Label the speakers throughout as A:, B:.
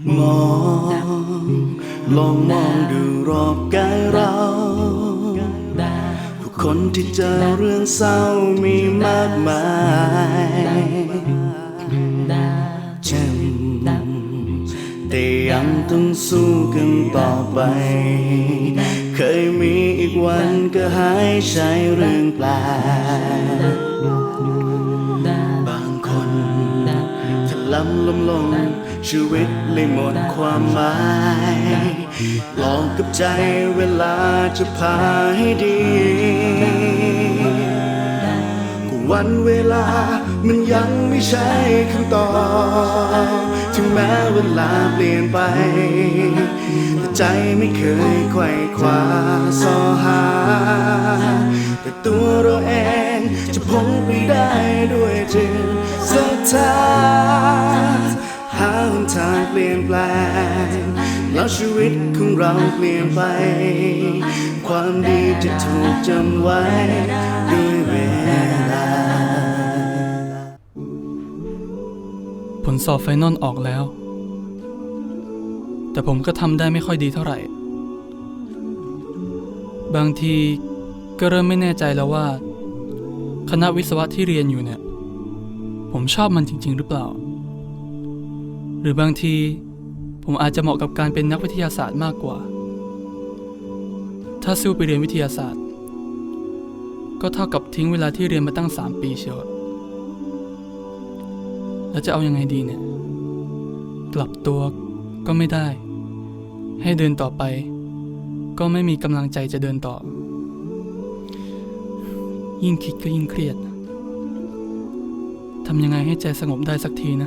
A: มองลองมองดูรอบกายเราผู้คนที่เจอเรื่องเศร้ามีมากมายเจ็บแต่ยังต้องสู้กันต่อไปเคยมีอีกวันก็หายใช่เรื่องแปลกบางคนถลำล้มลงชีวิตเลยหมดความหมายลองกับใจเวลาจะพาให้ดีก็วันเวลามันยังไม่ใช่คำตอบถึงแม้เวลาเปลี่ยนไปแต่ใจไม่เคยไขว่คว้าสอหาแต่ตัวเราเองจะพ้นไปได้ด้วยจิตศรัทธาหาหนทางเปลี่ยนแปลงแล้วชีวิตของเราเปลี่ยนไปความดีจะถูกจำไว้ด้วยเวลา
B: ผลสอบไฟนอลออกแล้วแต่ผมก็ทำได้ไม่ค่อยดีเท่าไหร่บางทีก็เริ่มไม่แน่ใจแล้วว่าคณะวิศวะที่เรียนอยู่เนี่ยผมชอบมันจริงๆหรือเปล่าหรือบางทีผมอาจจะเหมาะกับการเป็นนักวิทยาศาสตร์มากกว่าถ้าสู้ไปเรียนวิทยาศาสตร์ก็เท่ากับทิ้งเวลาที่เรียนมาตั้ง3 ปีเชียวแล้วจะเอายังไงดีเนี่ยกลับตัวก็ไม่ได้ให้เดินต่อไปก็ไม่มีกำลังใจจะเดินต่อยิ่งคิดก็ยิ่งเครียดทำยังไงให้ใจสงบได้สักทีนะ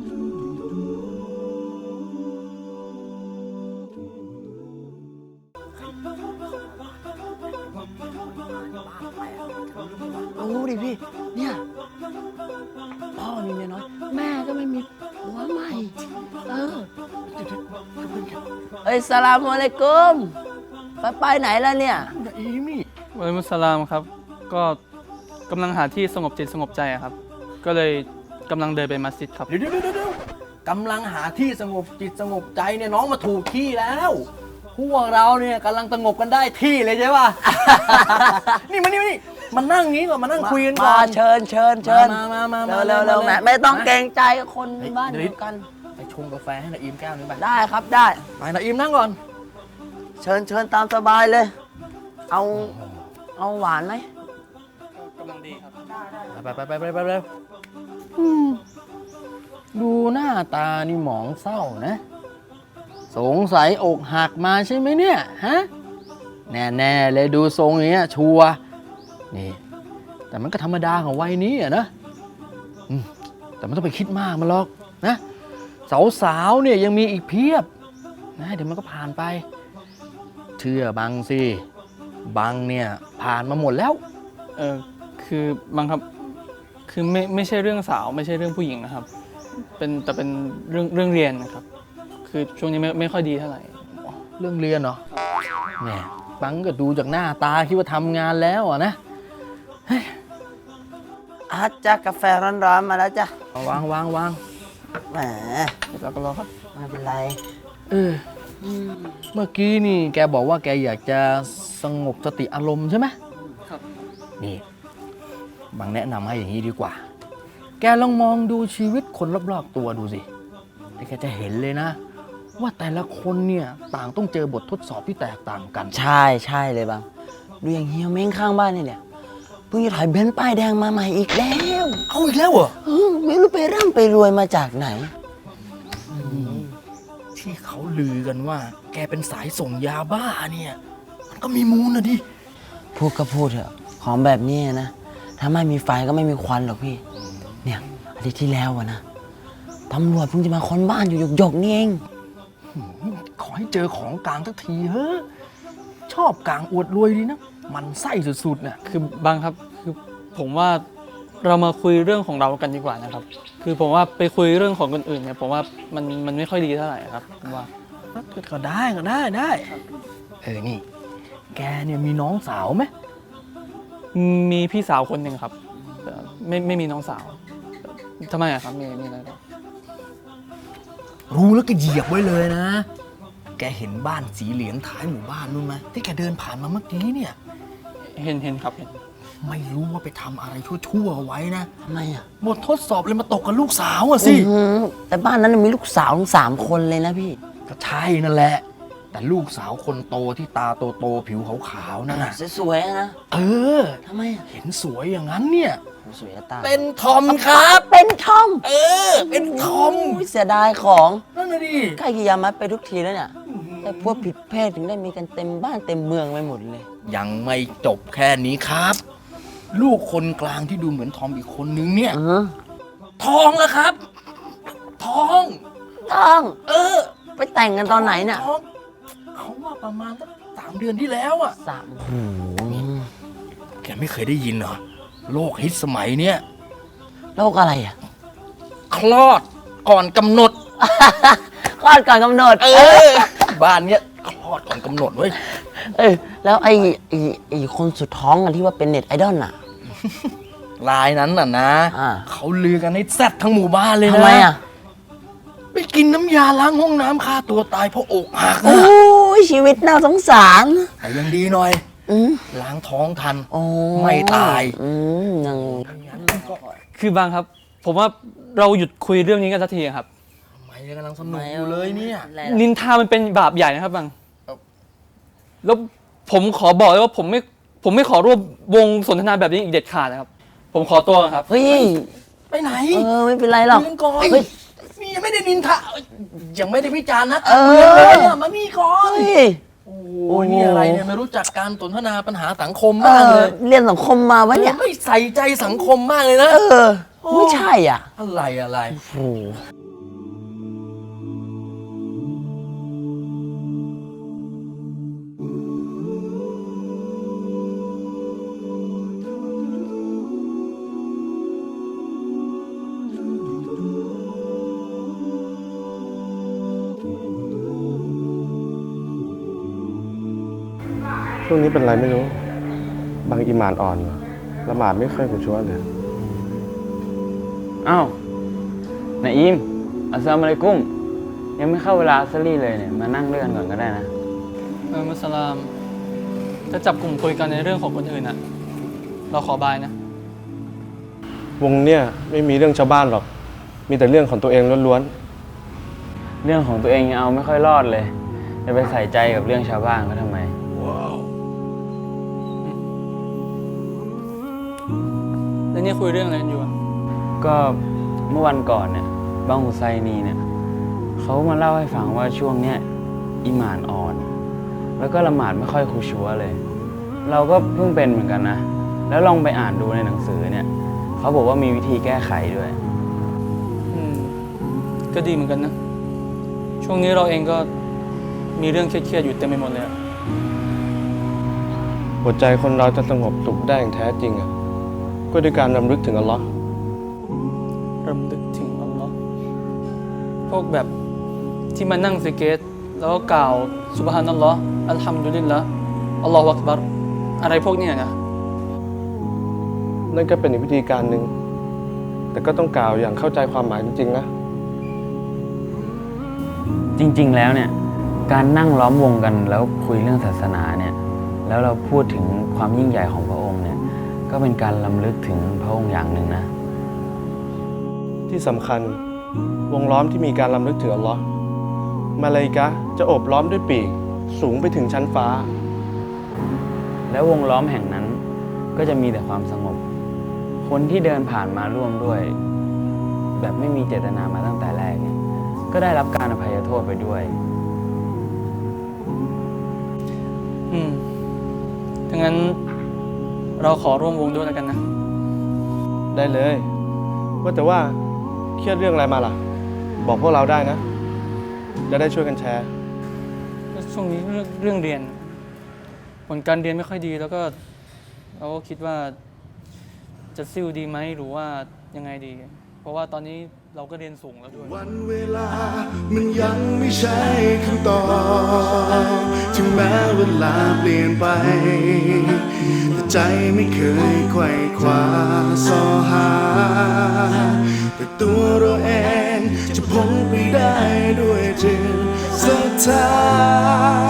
C: รู้ดิพี่เนี่ยพ่อมีเมียน้อยแม่ก็ไม่มีผัวใหม่เอ้ยสลามอะลัยกุมไปไหนแล้วเนี่ยว
B: ะลัยกุมสลามครับก็กำลังหาที่สงบจิตสงบใจครับก็เลยกำลังเดินไปมัสยิดครับ
D: เดี๋ยวกำลังหาที่สงบจิตสงบใจเนี่ยน้องมาถูกที่แล้วพวกเราเนี่ยกำลังสงบกันได้ที่เลยใช่ป่ะ นี่มานั่งงี้ก่อนมานั่งคุยกันก่อน
C: เชิญ
D: มา
C: เร็วแม่ไม่ต้องเกรงใจคนบ้านเดียวกัน
D: ไปชงกาแฟให้นาอิมแก้วนึงไป
C: ได้ครับได้
D: ไปนาอิมนั่งก่อน
C: เชิญตามสบายเลยเอาหวานไหม
B: กำลังดีครับ
D: ไปเร็วดูหน้าตานี่หมองเศร้านะสงสัยอกหักมาใช่ไหมเนี่ยฮะแน่เลยดูทรงอย่างเงี้ยชัวนี่แต่มันก็ธรรมดาของวัยนี้อะนะแต่ไม่ต้องไปคิดมากมันหรอกนะสาวเนี่ยยังมีอีกเพียบนะเดี๋ยวมันก็ผ่านไปเชื่อบังสิบังเนี่ยผ่านมาหมดแล้ว
B: คือบังครับคือไม่ใช่เรื่องสาวไม่ใช่เรื่องผู้หญิงนะครับแต่เป็นเรื่องเรียนนะครับคือช่วงนี้ไม่ค่อยดีเท่าไหร่
D: เรื่องเรียนเหรอแหมบังก็ดูจากหน้าตาคิดว่าทำงานแล้วอ่ะนะ
C: จ้ากาแฟร้อนๆมาแล้วจ้ะ
D: วาง
C: แหม
B: เราก็รอครับ
C: ไม่เป็นไร
D: เมื่อกี้นี่แกบอกว่าแกอยากจะสงบสติอารมณ์ใช่ไหม
B: ครับ
D: นี่บังแนะนำให้อย่างนี้ดีกว่าแกลองมองดูชีวิตคนรอบๆตัวดูสิแกจะเห็นเลยนะว่าแต่ละคนเนี่ยต่างต้องเจอบททดสอบที่แตกต่างกัน
C: ใช่เลยบังดูอย่างเฮียเม้งข้างบ้านเนี่ยเพิ่งจะถอยเบนซ์ป้ายแดงมาใหม่อีกแล้ว
D: เอาอีกแล้วเหรอ
C: ไม่รู้ไปร่ำไปรวยมาจากไหน
D: ที่เขาลือกันว่าแกเป็นสายส่งยาบ้าเนี่ยมันก็มีมูลนะดิ
C: พูดก็พูดเถอะของแบบนี้นะถ้าไม่มีไฟก็ไม่มีควันหรอกพี่เนี่ยอาทิตย์ที่แล้วนะตำรวจเพิ่งจะมาค้นบ้านอยู่หยกนี่เอง
D: ขอให้เจอของกลางสักทีเฮ้ยชอบกลางอวดรวยดีนะมันไส้สุดๆเนี่ย
B: คือบางครับคือผมว่าเรามาคุยเรื่องของเรากันดีกว่านะครับคือผมว่าไปคุยเรื่องของคนอื่นเนี่ยผมว่ามันไม่ค่อยดีเท่าไหร่ครับผมว่า
D: ก็ได้นี่แกเนี่ยมีน้องสาวไหม
B: มีพี่สาวคนหนึ่งครับไม่มีน้องสาวทำไมอะครับมีอะไรหรอ
D: รู้แล้วก็เหยียบไว้เลยนะ แกเห็นบ้านสีเหลืองท้ายหมู่บ้านนู่นไหมที่แกเดินผ่านมาเมื่อกี้เนี่ย
B: เห็นครับเห็น
D: ไม่รู้ว่าไปทำอะไรชั่วๆเอาไว้นะ
C: ทำไมอ่ะ
D: บททดสอบเลยมาตกกับลูกสาวอะสิ
C: แต่บ้านนั้นมีลูกสาวถึง3 คนเลยนะพี่
D: ก็ใช่นั่นแหละ แต่ลูกสาวคนโตที่ตาโตๆผิวขาวๆนั่นน่ะ
C: สวยๆนะ
D: เออ
C: ทำไมอ่ะ
D: เห็นสวยอย่างนั้นเนี่ย
C: สวยจะตาย
D: เป็นทอมครับ
C: เป็นทอม
D: เออ เป็นทอม
C: โยเสียดายของ
D: นั่นน่ะดิ
C: ใกล้กิยามัดไปทุกทีแล้วเนี่ยแต่พวกผิดเพศถึงได้มีกันเต็มบ้านเต็มเมืองไปหมดเลย
D: ยังไม่จบแค่นี้ครับ ลูกคนกลางที่ดูเหมือนทอมอีกคนนึงเนี่ย ท้องแล้วครับ ท้อง
C: ต้อง
D: เออ
C: ไปแต่งกันตอนไหนเนี่ย
D: ท้องเขาว่าประมาณสัก3 เดือนที่แล้วอ่ะ
C: 3
D: แกไม่เคยได้ยินเหรอ โรคฮิตสมัยเนี้ย
C: โรคอะไรอ่ะ
D: คลอดก่อนกำหนด
C: คลอดก่อนกำหนด
D: บ้านเนี้ยคลอดก่อนกำหนดเว้ย
C: แล้วไอ้คนสุดท้องอะที่ว่าเป็นเน็ตไอดอลอ่ะ
D: รายนั้นน่ะนะ
C: อ่า
D: เขาลือกันให้แซดทั้งหมู่บ้านเลยนะ
C: ทำไมอ่ะ
D: ไปกินน้ำยาล้างห้องน้ำฆ่าตัวตายเพราะอกหัก
C: โอ้
D: นะ
C: ยชีวิตน่าสงสาร
D: แต่ยังดีหน่อย
C: อืม
D: ล้างท้องทัน
C: โอ้
D: ไม่ตาย
C: ยัง
B: คือบางครับ ผมว่าเราหยุดคุยเรื่องนี้กันสักทีครับ
D: ทำไมยังกำลังสนุกอยู่เลยเนี่ย
B: นินทามันเป็นบาปใหญ่นะครับบางแล้วผมขอบอกเลยว่าผมไม่ขอร่วมวงสนทนาแบบนี้อีกเด็ดขาดนะครับ ผมขอตัวก่อนครับ
C: เฮ้ย
D: ไปไหน
C: ไม่เป็นไรหรอก
D: ยืนก่อน
C: เฮ้ย
D: นี่ยังไม่ได้นินทายังไม่ได้วิจารณ์นะ
C: เออ
D: เลยอะมานี่ก่อน
C: เฮ้ย
D: โอ้ยนี่อะไรเนี่ยไม่รู้จักการสนทนาปัญหาสังคมมากเลย
C: เรียนสังคมมาวะเนี่ย
D: ไม่ใส่ใจสังคมมากเลยนะ
C: ไม่ใช่อ่ะ
D: อะไร
C: โอ้โห
A: ช่วงนี้เป็นไรไม่รู้ บางอิหมานอ่อนละหมาดไม่ค่อยกูชัวเลย
E: อ้าวนาอิมอัสสลามุอะลัยกุม ยังไม่เข้าเวลาอัสรีเลยเนี่ย มานั่งด้วยกันก่อนก็ได้นะ
B: มุสลามจะจับกลุ่มคุยกันในเรื่องของคนอื่นอะเราขอบายนะ
A: วงเนี่ยไม่มีเรื่องชาวบ้านหรอก มีแต่เรื่องของตัวเองล้วน
E: เรื่องของตัวเองยังเอาไม่ค่อยรอดเลย จะไปใส่ใจกับเรื่องชาวบ้านก็ทำไม
B: แล้วนี่คุยเรื่องอะไรกันอยู่อะ
E: ก็เมื่อวันก่อนเนี่ยบางฮุไซนีเนี่ยเขามาเล่าให้ฟังว่าช่วงเนี้ยอีหม่านอ่อน แล้วก็ละหมาดไม่ค่อยคุชัวเลย เราก็เพิ่งเป็นเหมือนกันนะ แล้วลองไปอ่านดูในหนังสือเนี่ยเขาบอกว่ามีวิธีแก้ไขด้วย
B: ก็ดีเหมือนกันนะ ช่วงนี้เราเองก็มีเรื่องเครียดๆอยู่เต็มไปหมดเลยอะ
A: ๆ หัวใจคนเราจะสงบสุขได้อย่างแท้จริงอ่ะก็ด้วยการรำลึกถึงอัลลอฮ์
B: รำลึกถึงอัลลอฮ์พวกแบบที่มานั่งสเกตแล้วก็กล่าวซุบฮานัลลอฮ์อัลฮัมดุลิลละอัลลอฮฺอักบัรอะไรพวกเนี้ยนะ
A: นั่นก็เป็นอีกวิธีการหนึ่งแต่ก็ต้องกล่าวอย่างเข้าใจความหมายจริงๆนะ
E: จริงๆ แล้วเนี่ยการนั่งล้อมวงกันแล้วคุยเรื่องศาสนาเนี่ยแล้วเราพูดถึงความยิ่งใหญ่ของพระองค์เนี่ยก็เป็นการรำลึกถึงพระองค์อย่างหนึ่งนะ
A: ที่สำคัญวงล้อมที่มีการรำลึกถึงอัลลอฮ์มาลาอิกะฮ์จะโอบล้อมด้วยปีกสูงไปถึงชั้นฟ้า
E: แล้ววงล้อมแห่งนั้นก็จะมีแต่ความสงบ คนที่เดินผ่านมาร่วมด้วย แบบไม่มีเจตนามาตั้งแต่แรกเนี่ยก็ได้รับการอภัยโทษไปด้วย
B: ถ้างั้นเราขอร่วมวงด้วยแล้วกันนะ
A: ได้เลย ว่าแต่ว่าเครียดเรื่องอะไรมาล่ะ บอกพวกเราได้นะ จะได้ช่วยกันแชร์
B: ก็ช่วงนี้เรื่องเรียน ผลการเรียนไม่ค่อยดีแล้วก็เราก็คิดว่าจะซิ่วดีไหมหรือว่ายังไงดี เพราะว่าตอนนี้เราก็เรียนสูงแล้วด้วย
A: วันเวลามันยังไม่ใช่คำตอบถึงแม้เวลาเปลี่ยนไปแต่ใจใจไม่เคยไขว่คว้าสอหาแต่ตัวเราเองจะพ้นไปได้ด้วยจิตศรัทธา